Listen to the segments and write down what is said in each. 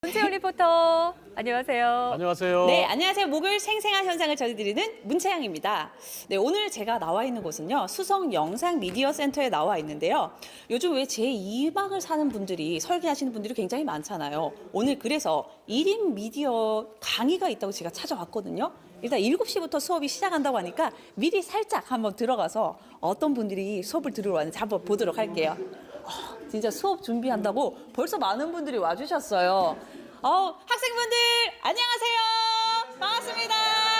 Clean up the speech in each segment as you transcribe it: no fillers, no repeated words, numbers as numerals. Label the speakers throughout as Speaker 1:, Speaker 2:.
Speaker 1: 문채영 리포터, 안녕하세요.
Speaker 2: 안녕하세요.
Speaker 3: 네, 안녕하세요. 목요일 생생한 현상을 전해드리는 문채영입니다. 네, 오늘 제가 나와 있는 곳은요, 수성 영상 미디어 센터에 나와 있는데요. 요즘 왜 제2막을 사는 분들이, 설계하시는 분들이 굉장히 많잖아요. 오늘 그래서 1인 미디어 강의가 있다고 제가 찾아왔거든요. 일단 7시부터 수업이 시작한다고 하니까 미리 살짝 한번 들어가서 어떤 분들이 수업을 들으러 왔는지 한번 보도록 할게요. 진짜 수업 준비한다고 벌써 많은 분들이 와주셨어요. 학생분들 안녕하세요. 반갑습니다.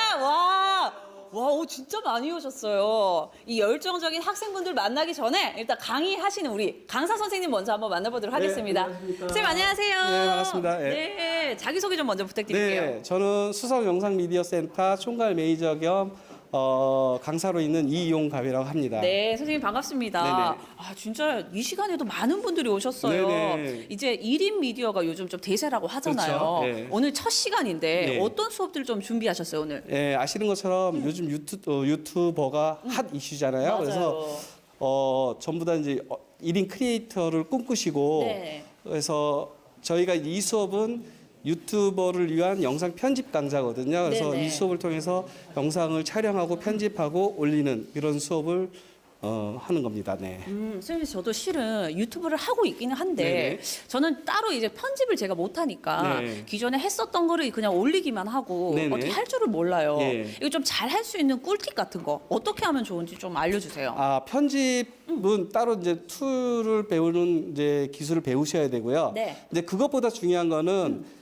Speaker 3: 와, 진짜 많이 오셨어요. 이 열정적인 학생분들 만나기 전에 일단 강의하시는 우리 강사 선생님 먼저 한번 만나보도록 하겠습니다. 선생님 안녕하세요.
Speaker 4: 네, 반갑습니다.
Speaker 3: 네, 자기소개 좀 먼저 부탁드릴게요.
Speaker 4: 네, 저는 수성 영상 미디어 센터 총괄 매니저 겸 강사로 있는 이용갑이라고 합니다.
Speaker 3: 네, 선생님 반갑습니다.
Speaker 4: 네네.
Speaker 3: 진짜 이 시간에도 많은 분들이 오셨어요.
Speaker 4: 네네.
Speaker 3: 이제 1인 미디어가 요즘 좀 대세라고 하잖아요.
Speaker 4: 그렇죠. 네.
Speaker 3: 오늘 첫 시간인데
Speaker 4: 네.
Speaker 3: 어떤 수업들 좀 준비하셨어요, 오늘?
Speaker 4: 네, 아시는 것처럼 요즘 유튜버가 핫 이슈잖아요.
Speaker 3: 맞아요.
Speaker 4: 그래서 전부 다 이제 1인 크리에이터를 꿈꾸시고
Speaker 3: 네.
Speaker 4: 그래서 저희가 이 수업은 유튜버를 위한 영상 편집 강좌거든요. 그래서
Speaker 3: 네네.
Speaker 4: 이 수업을 통해서 영상을 촬영하고 편집하고 올리는 이런 수업을 하는 겁니다. 네.
Speaker 3: 선생님, 저도 실은 유튜브를 하고 있기는 한데
Speaker 4: 네네.
Speaker 3: 저는 따로 이제 편집을 제가 못하니까
Speaker 4: 네.
Speaker 3: 기존에 했었던 거를 그냥 올리기만 하고
Speaker 4: 네네.
Speaker 3: 어떻게 할 줄을 몰라요.
Speaker 4: 예.
Speaker 3: 이거 좀 잘 할 수 있는 꿀팁 같은 거 어떻게 하면 좋은지 좀 알려주세요.
Speaker 4: 편집은 따로 이제 툴을 배우는 이제 기술을 배우셔야 되고요.
Speaker 3: 네.
Speaker 4: 근데 그것보다 중요한 거는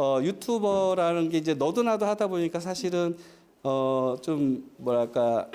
Speaker 4: 유튜버라는 게 이제 너도 나도 하다 보니까 사실은 좀 뭐랄까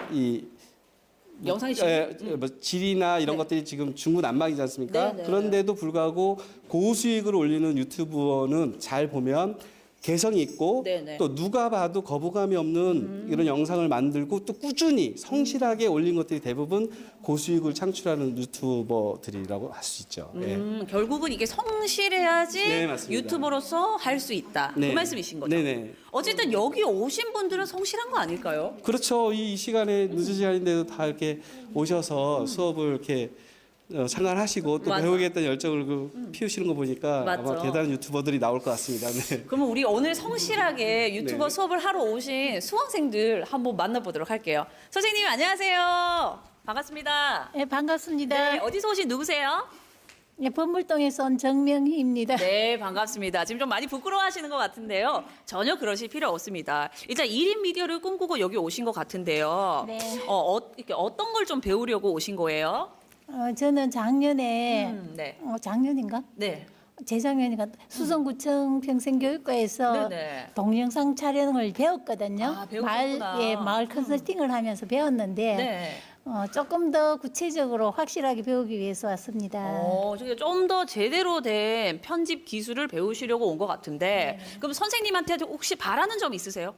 Speaker 3: 영상이
Speaker 4: 뭐 질이나 이런
Speaker 3: 네.
Speaker 4: 것들이 지금 중구난방이지 않습니까?
Speaker 3: 네네.
Speaker 4: 그런데도 불구하고 고수익을 올리는 유튜버는 잘 보면 개성이 있고
Speaker 3: 네네.
Speaker 4: 또 누가 봐도 거부감이 없는 이런 영상을 만들고 또 꾸준히 성실하게 올린 것들이 대부분 고수익을 창출하는 유튜버들이라고 할 수 있죠. 예.
Speaker 3: 결국은 이게 성실해야지
Speaker 4: 네, 맞습니다.
Speaker 3: 유튜버로서 할 수 있다. 그
Speaker 4: 네.
Speaker 3: 말씀이신 거죠?
Speaker 4: 네네.
Speaker 3: 어쨌든 여기 오신 분들은 성실한 거 아닐까요?
Speaker 4: 그렇죠. 이 시간에 늦은 시간인데도 다 이렇게 오셔서 수업을 이렇게 참관하시고 또
Speaker 3: 맞아.
Speaker 4: 배우겠다는 열정을 피우시는 거 보니까
Speaker 3: 맞죠.
Speaker 4: 아마 대단한 유튜버들이 나올 것 같습니다. 네.
Speaker 3: 그러면 우리 오늘 성실하게 유튜버
Speaker 4: 네.
Speaker 3: 수업을 하러 오신 수강생들 한번 만나보도록 할게요. 선생님 안녕하세요. 반갑습니다.
Speaker 5: 네, 반갑습니다.
Speaker 3: 네, 어디서 오신 누구세요?
Speaker 5: 네, 법물동에서 온 정명희입니다.
Speaker 3: 네, 반갑습니다. 지금 좀 많이 부끄러워하시는 것 같은데요. 전혀 그러실 필요 없습니다. 일단 1인 미디어를 꿈꾸고 여기 오신 것 같은데요.
Speaker 5: 네.
Speaker 3: 이렇게 어떤 걸 좀 배우려고 오신 거예요?
Speaker 5: 저는 작년에,
Speaker 3: 네.
Speaker 5: 작년인가?
Speaker 3: 네.
Speaker 5: 재작년인가? 수성구청 평생교육과에서
Speaker 3: 네네.
Speaker 5: 동영상 촬영을 배웠거든요.
Speaker 3: 아, 배우셨구나.
Speaker 5: 마을 컨설팅을 하면서 배웠는데,
Speaker 3: 네.
Speaker 5: 조금 더 구체적으로 확실하게 배우기 위해서 왔습니다.
Speaker 3: 좀 더 제대로 된 편집 기술을 배우시려고 온 것 같은데, 그럼 선생님한테 혹시 바라는 점 있으세요?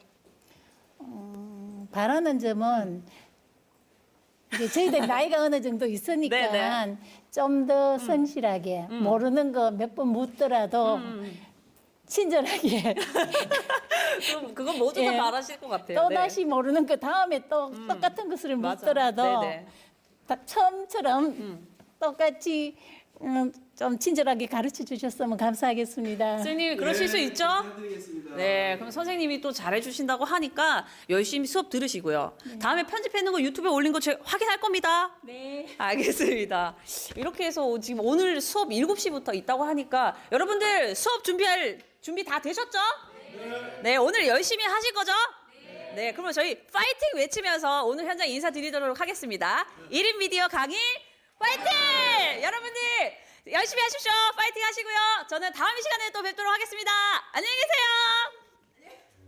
Speaker 5: 바라는 점은 이제 저희들 나이가 어느 정도 있으니까
Speaker 3: 네네.
Speaker 5: 좀 더 성실하게 모르는 거 몇 번 묻더라도 친절하게
Speaker 3: 그건 모두 다
Speaker 5: 예.
Speaker 3: 바라실 것 같아요.
Speaker 5: 또
Speaker 3: 네.
Speaker 5: 다시 모르는 거 다음에 또 똑같은 것을
Speaker 3: 맞아.
Speaker 5: 묻더라도
Speaker 3: 네네.
Speaker 5: 다 처음처럼 똑같이 좀 친절하게 가르쳐 주셨으면 감사하겠습니다.
Speaker 3: 선생님 그러실 수 있죠? 네, 그럼 선생님이 또 잘해주신다고 하니까 열심히 수업 들으시고요. 다음에 편집해놓은 거 유튜브에 올린 거 제가 확인할 겁니다.
Speaker 5: 네.
Speaker 3: 알겠습니다. 이렇게 해서 지금 오늘 수업 7시부터 있다고 하니까 여러분들 수업 준비 다 되셨죠? 네, 오늘 열심히 하실 거죠? 네, 그러면 저희 파이팅 외치면서 오늘 현장 인사드리도록 하겠습니다. 1인 미디어 강의 파이팅! 여러분들 열심히 하십시오. 파이팅 하시고요. 저는 다음 시간에 또 뵙도록 하겠습니다. 안녕히 계세요.